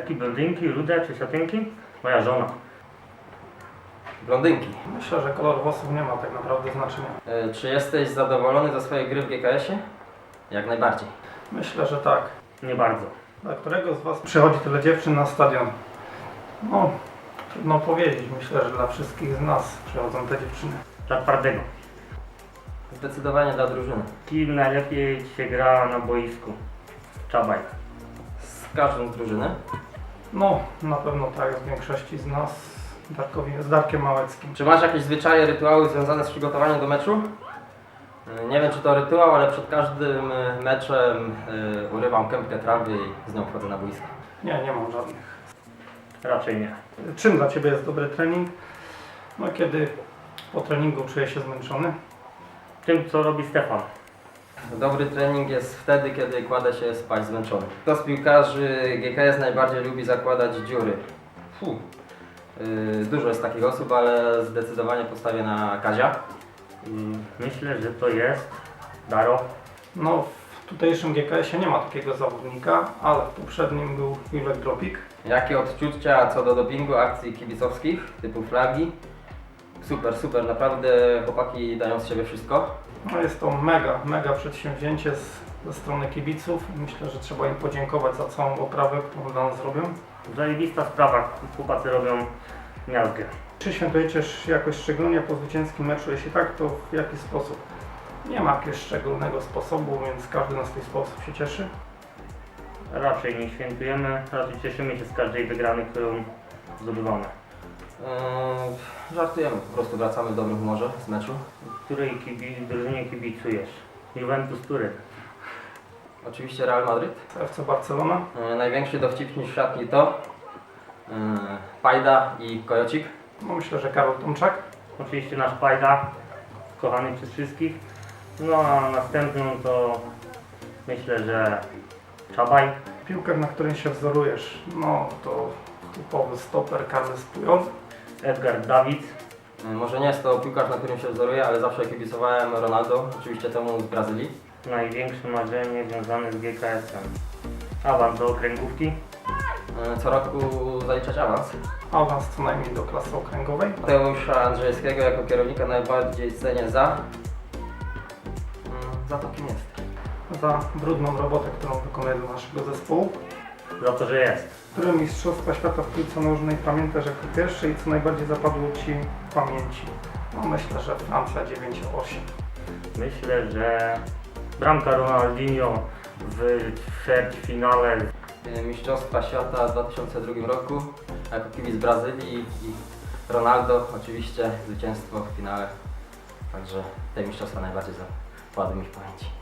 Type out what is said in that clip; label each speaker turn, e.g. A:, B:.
A: Brunetki, blondynki, rude czy siatynki? Moja żona.
B: Blondynki.
C: Myślę, że kolor włosów nie ma tak naprawdę znaczenia.
B: Czy jesteś zadowolony ze swojej gry w GKS-ie? Jak najbardziej.
C: Myślę, że tak.
A: Nie bardzo.
C: Dla którego z Was przychodzi tyle dziewczyn na stadion? No, trudno powiedzieć. Myślę, że dla wszystkich z nas przychodzą te dziewczyny.
A: Dla twardego.
B: Zdecydowanie dla drużyny.
A: Kim najlepiej się gra na boisku? Czabaj.
B: Z każdą z drużyny.
C: No, na pewno tak, z większości z nas. Z Darkiem Małeckim.
B: Czy masz jakieś zwyczaje, rytuały związane z przygotowaniem do meczu? Nie wiem, czy to rytuał, ale przed każdym meczem urywam kępkę trawy i z nią wchodzę na boisko.
C: Nie mam żadnych.
A: Raczej nie.
C: Czym dla Ciebie jest dobry trening? No, kiedy po treningu czuję się zmęczony.
A: Tym, co robi Stefan.
B: Dobry trening jest wtedy, kiedy kładę się spać zmęczony. Kto z piłkarzy GKS najbardziej lubi zakładać dziury? Dużo jest takich osób, ale zdecydowanie postawię na Kazia.
A: Myślę, że to jest Daro.
C: No, w tutejszym GKS-ie nie ma takiego zawodnika, ale w poprzednim był Julek Dropik.
B: Jakie odczucia co do dopingu, akcji kibicowskich, typu flagi? Super, naprawdę chłopaki dają z siebie wszystko.
C: No, jest to mega przedsięwzięcie ze strony kibiców. Myślę, że trzeba im podziękować za całą oprawę, którą dla nas robią.
A: Zajebista sprawa. Chłopacy robią miazgę.
C: Czy świętujecie jakoś szczególnie po zwycięskim meczu? Jeśli tak, to w jaki sposób? Nie ma jakiegoś szczególnego sposobu, więc każdy na swój sposób się cieszy.
A: Raczej nie świętujemy, raczej cieszymy się z każdej wygranej, którą zdobywamy.
B: Żartujemy, po prostu wracamy w dobrym humorze z meczu.
A: Której drużynie kibicujesz? Juventus Turyn.
B: Oczywiście Real Madryt.
C: FC Barcelona.
B: Największy dowcipnik w szatni to Pajda i Kojocik.
C: No, myślę, że Karol Tomczak.
A: Oczywiście nasz Pajda, kochany przez wszystkich. No a następną to myślę, że Czabaj.
C: Piłkarz, na którym się wzorujesz, no to typowy stoper Carles Puyol.
A: Edgar Davids.
B: Może nie jest to piłkarz, na którym się wzoruję, ale zawsze kibicowałem Ronaldo, oczywiście temu z Brazylii.
A: Największe marzenie związane z GKS-em. Awans do okręgówki.
B: Co roku zaliczać awans.
C: Awans co najmniej do klasy okręgowej.
B: Mateusza Andrzejewskiego jako kierownika najbardziej cenię za to, kim jest.
C: Za brudną robotę, którą wykonuje dla naszego zespołu.
A: Za to, że jest.
C: Które mistrzostwa świata w piłce nożnej pamiętasz jako pierwsze i co najbardziej zapadło Ci w pamięci? No, myślę, że Francja 9-8.
A: Myślę, że bramka Ronaldinho w ćwierćfinale.
B: Mistrzostwa Świata w 2002 roku jako kibic Brazylii i Ronaldo oczywiście zwycięstwo w finale. Także te mistrzostwa najbardziej zapadły mi w pamięci.